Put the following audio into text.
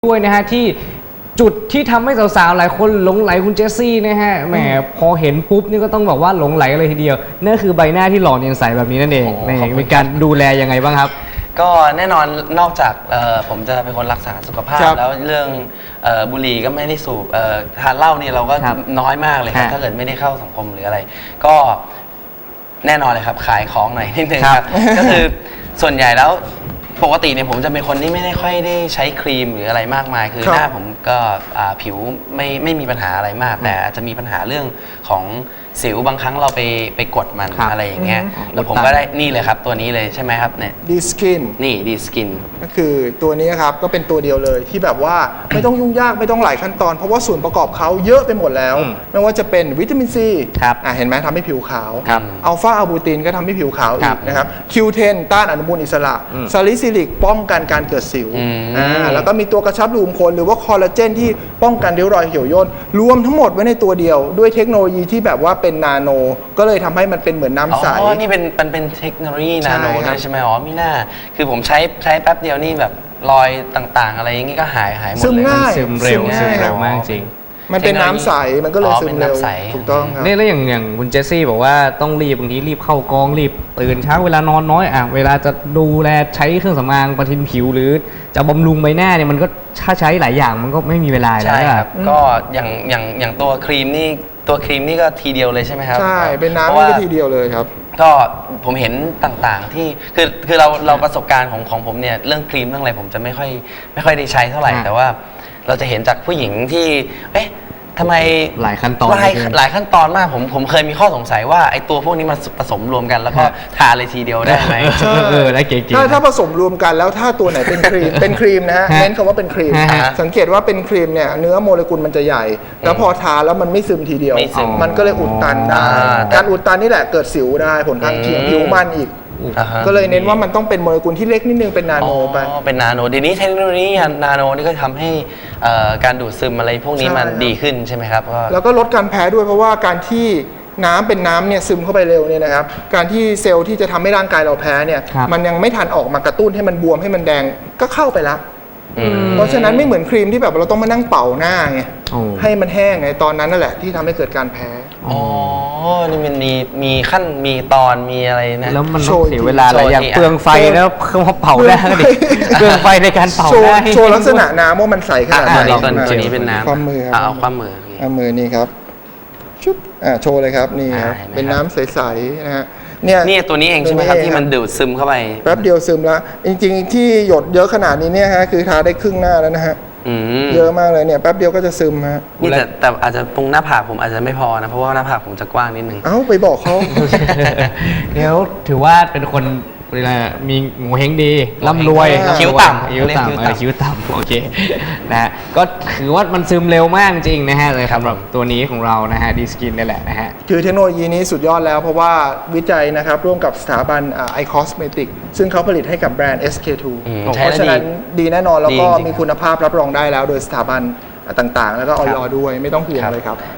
ด้วยนะฮะที่จุดที่ทำให้สาวๆหลายคนหลงไหลคุณเจสซี่นะฮะแหมพอเห็นปุ๊บนี่ก็ต้องบอกว่าหลงไหลเลยทีเดียวนั่นคือใบหน้าที่หล่อเนียนใสแบบนี้นั่นเองนี่มีการดูแลยังไงบ้างครับก็แน่นอนนอกจากผมจะเป็นคนรักษาสุขภาพแล้วเรื่องบุหรี่ก็ไม่ได้สูบทานเหล้านี่เราก็น้อยมากเลยครับถ้าเกิดไม่ได้เข้าสังคมหรืออะไรก็แน่นอนเลยครับขายของหน่อยนิดนึงครับก็คือส่วนใหญ่แล้วปกติเนี่ยผมจะเป็นคนที่ไม่ได้ค่อยได้ใช้ครีมหรืออะไรมากมายคือหน้าผมก็ผิวไม่มีปัญหาอะไรมากแต่อาจจะมีปัญหาเรื่องของสิวบางครั้งเราไปกดมันอะไรอย่างเงี้ยแล้วผมก็ได้นี่เลยครับตัวนี้เลยใช่ไหมครับเนี่ยดีสกินนี่ดีสกินก็คือตัวนี้ครับก็เป็นตัวเดียวเลยที่แบบว่าไม่ต้องยุ่งยากไม่ต้องหลายขั้นตอนเพราะว่าส่วนประกอบเขาเยอะไปหมดแล้วไม่ว่าจะเป็นวิตามินซีเห็นไหมทำให้ผิวขาวอัลฟาอะบูตินก็ทำให้ผิวขาวอีกนะครับคิวเทนต้านอนุมูลอิสระซาลิซิลิกป้องกันการเกิดสิวแล้วก็มีตัวกระชับรูขุมขนหรือว่าคอลลาเจนที่ป้องกันริ้วรอยเหี่ยวย่นรวมทั้งหมดไว้ในตัวเดียวด้วยเทคโนโลยีที่แบบว่าเป็นนาโนก็เลยทำให้มันเป็นเหมือนน้ำใสอ๋อนี่เป็นเทคโนโลยีนาโนด้วยใช่ไหมอ๋อมีหน้าคือผมใช้แป๊บเดียวนี่แบบรอยต่างๆอะไรอย่างงี้ก็หายหมดเลยซึมง่ายซึมเร็วมากจริงมันเป็นน้ำใสมันก็เลยซึมเร็วถูกต้องครับนี่แล้วอย่างคุณเจสซี่บอกว่าต้องรีบบางทีรีบเข้ากองรีบตื่นเช้าเวลานอนน้อยเวลาจะดูแลใช้เครื่องสำอางประทินผิวหรือจะบำรุงใบหน้าเนี่ยมันก็ถ้าใช้หลายอย่างมันก็ไม่มีเวลาแล้วใช่ครับก็อย่างตัวครีมนี่ก็ทีเดียวเลยใช่ไหมครับใช่เป็นน้ำนี่ก็ทีเดียวเลยครับก็ผมเห็นต่างๆที่คือเราประสบการณ์ของผมเนี่ยเรื่องครีมเรื่องอะไรผมจะไม่ค่อยได้ใช้เท่าไหร่แต่ว่าเราจะเห็นจากผู้หญิงที่ทำไมหลายขั้นตอนหลายขั้นตอนมากผมเคยมีข้อสงสัยว่าไอ้ตัวพวกนี้มันผสมรวมกันแล้วก็ทาเลยทีเดียวได้ไหมได้เก๋ๆถ้าผสมรวมกันแล้วถ้าตัวไหนเป็นครีมเป็นครีมนะฮะเน้นคำว่าเป็นครีมสังเกตว่าเป็นครีมเนี่ยเนื้อโมเลกุลมันจะใหญ่แล้วพอทาแล้วมันไม่ซึมทีเดียวมันก็เลยอุดตันได้การอุดตันนี่แหละเกิดสิวได้ผลข้างเคียงผิวมันอีกก็เลยเน้นว่ามันต้องเป็นโมเลกุลที่เล็กนิดนึงเป็นนาโนไปเป็นนาโนเดี๋ยวนี้เทคโนโลยีนาโนนี่ก็ทำให้การดูดซึมอะไรพวกนี้มันดีขึ้นใช่ไหมครับแล้วก็ลดการแพ้ด้วยเพราะว่าการที่น้ำเป็นน้ำเนี่ยซึมเข้าไปเร็วเนี่ยนะครับการที่เซลล์ที่จะทำให้ร่างกายเราแพ้เนี่ยมันยังไม่ทันออกมากระตุ้นให้มันบวมให้มันแดงก็เข้าไปแล้วเพราะฉะนั้นไม่เหมือนครีมที่แบบเราต้องมานั่งเป่าหน้าไงให้มันแห้งไงตอนนั้นนั่นแหละที่ทำให้เกิดการแพ้อ๋อนี่มันมีขั้นมีตอนมีอะไรนะแล้วมันต้องเสียเวลาหลายอย่างเปลืองไฟแล้วเครื่องเป่าได้ดิเปลืองไฟในการเป่าได้โชว์ลักษณะน้ำว่ามันใสขนาดไหนตัวนี้เป็นน้ำความมือเอาความมือนี่ครับชุบโชว์เลยครับนี่ครับเป็นน้ำใสๆนะฮะนี่ตัวนี้เองใช่ไหมครับที่มันดูดซึมเข้าไปแป๊บเดียวซึมแล้วจริงๆที่หยดเยอะขนาดนี้เนี่ยฮะคือทาได้ครึ่งหน้าแล้วนะฮะเยอะมากเลยเนี่ยแป๊บเดียวก็จะซึมฮะนี่แต่อาจจะตรงหน้าผากผมอาจจะไม่พอนะเพราะว่าหน้าผากผมจะกว้างนิดนึงไปบอกเขาเดี๋ยวถือว่าเป็นคนมีโงเฮงดีร่ำรวยคิ้วต่ำคิ้วต่ำโอเคนะฮะก็ถือว่ามันซึมเร็วมากจริงนะฮะเลยสำหรับตัวนี้ของเรานะฮะดีสกินนี่แหละนะฮะคือเทคโนโลยีนี้สุดยอดแล้วเพราะว่าวิจัยนะครับร่วมกับสถาบันไอคอสเมติกซึ่งเขาผลิตให้กับแบรนด์ SK2 เพราะฉะนั้นดีแน่นอนแล้วก็มีคุณภาพรับรองได้แล้วโดยสถาบันต่างๆแล้วก็ออยด้วยไม่ต้องห่วงเลยครับ